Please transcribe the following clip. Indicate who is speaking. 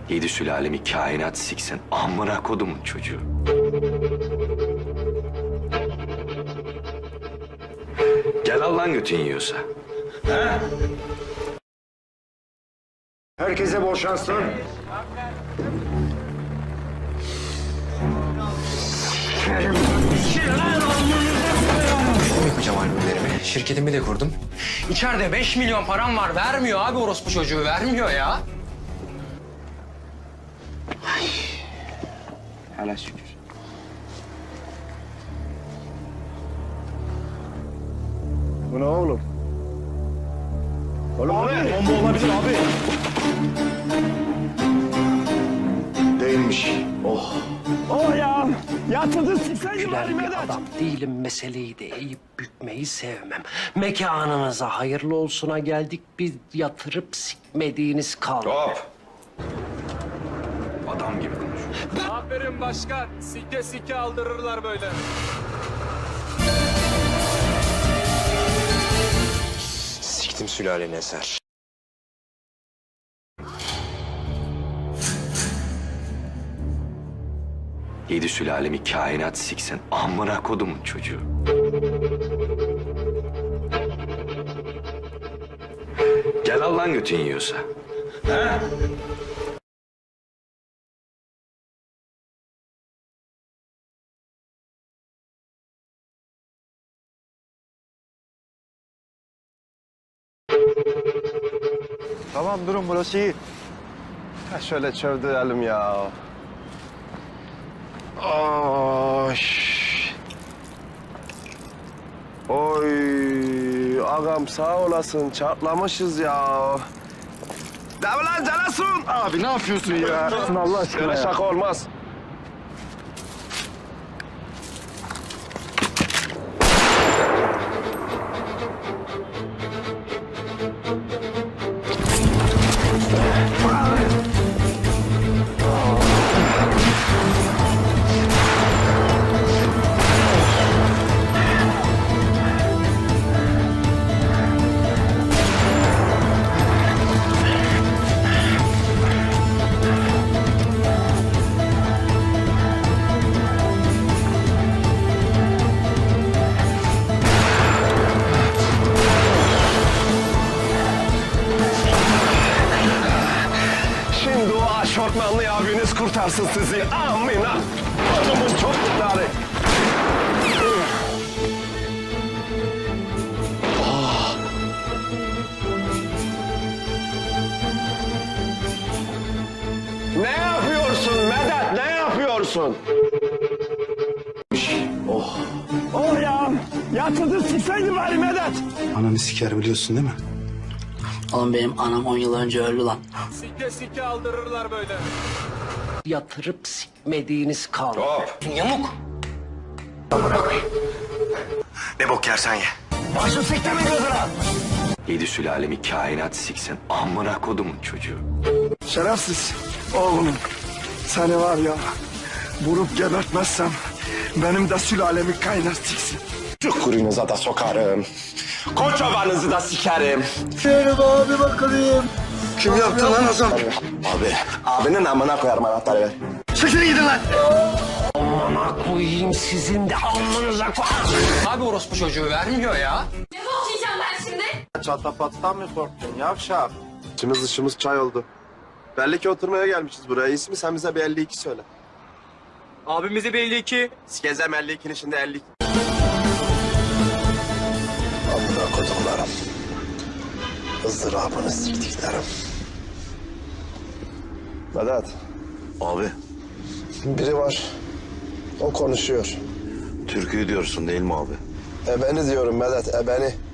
Speaker 1: Yedi sülalemi kainat siksin. Amına kodumun çocuğu. Gel al lan götün yiyorsa.
Speaker 2: Herkese bol şanslar.
Speaker 3: Yapacağım albümlerimi. Şirketimi de kurdum. İçeride 5 milyon param var. Vermiyor abi orospu çocuğu. Vermiyor ya.
Speaker 2: Hele şükür. Bu ne oğlum? Oğlum abi, bomba olabilir abi. Değilmiş. Oh.
Speaker 4: Oh ya! Yatırdın sikseydin bari
Speaker 5: Bir
Speaker 4: Medet.
Speaker 5: adam değilim, meseleyi de eğip bükmeyi sevmem. Mekanınıza hayırlı olsuna geldik, biz yatırıp sikmediğiniz kaldı.
Speaker 1: Hop. Adam gibi konuş.
Speaker 6: Aferin başkan. Sike sike aldırırlar böyle.
Speaker 3: Siktim sülaleni Eser.
Speaker 1: Yedi sülalemi kainat siksin. Amına kodumun çocuğu. Gel al lan götün yiyorsa.
Speaker 2: Tamam durun burası iyi. Ha, şöyle çördürelim ya. Oy. Oy. Ağam sağ olasın. Çatlamışız ya. Değil mi lan Canasun? Abi ne yapıyorsun ya? Allah aşkına ya. Şaka olmaz. Şimdi o aşortmanlı abiniz kurtarsın sizi. Amina. Adımız çok iddialı. Ne yapıyorsun Medet? Ne yapıyorsun?
Speaker 4: Oh ya! Yatırdın sikseydin bari Medet.
Speaker 7: Ananı siker biliyorsun değil mi?
Speaker 8: Oğlum benim anam 10 yıl önce öldü lan.
Speaker 6: Sike sike aldırırlar böyle.
Speaker 5: Yatırıp sikmediğiniz kaldı.
Speaker 1: Hop.
Speaker 5: Yamuk.
Speaker 7: Ne bok yersen ye.
Speaker 4: Başı sikte mi gözüne?
Speaker 1: Yedi sülalemi kainat siksin. Amına kodumun çocuğu.
Speaker 2: Şerefsiz oğlum. Seni var ya vurup gebertmezsem benim de sülalemi kaynar siksin. Çukurunuza da sokarım. Koçovanızı da sikerim. Yürü abi bakalım. Kim yaptı lan Hasan? Abi. Abinin amına koyarım anahtarı ver. Çekilin gidin lan.
Speaker 5: Amına koyayım sizin de alnınıza koyayım.
Speaker 3: Abi orospu çocuğu. Vermiyor ya.
Speaker 9: Ne okuyacağım ben şimdi?
Speaker 2: Çatapattan mı korktun yavşak? İçimiz dışımız çay oldu. Belli ki oturmaya gelmişiz buraya. İsmi sen bize bir 52 söyle.
Speaker 6: Abimize bir 52.
Speaker 2: Gezem 52'nin içinde 52. Amına kodumlarım. Izdırabını siktiklerim. Vedat.
Speaker 7: Abi
Speaker 2: Biri var. O konuşuyor.
Speaker 7: türküyü diyorsun değil mi abi?
Speaker 2: Ebeni diyorum Vedat, ebeni.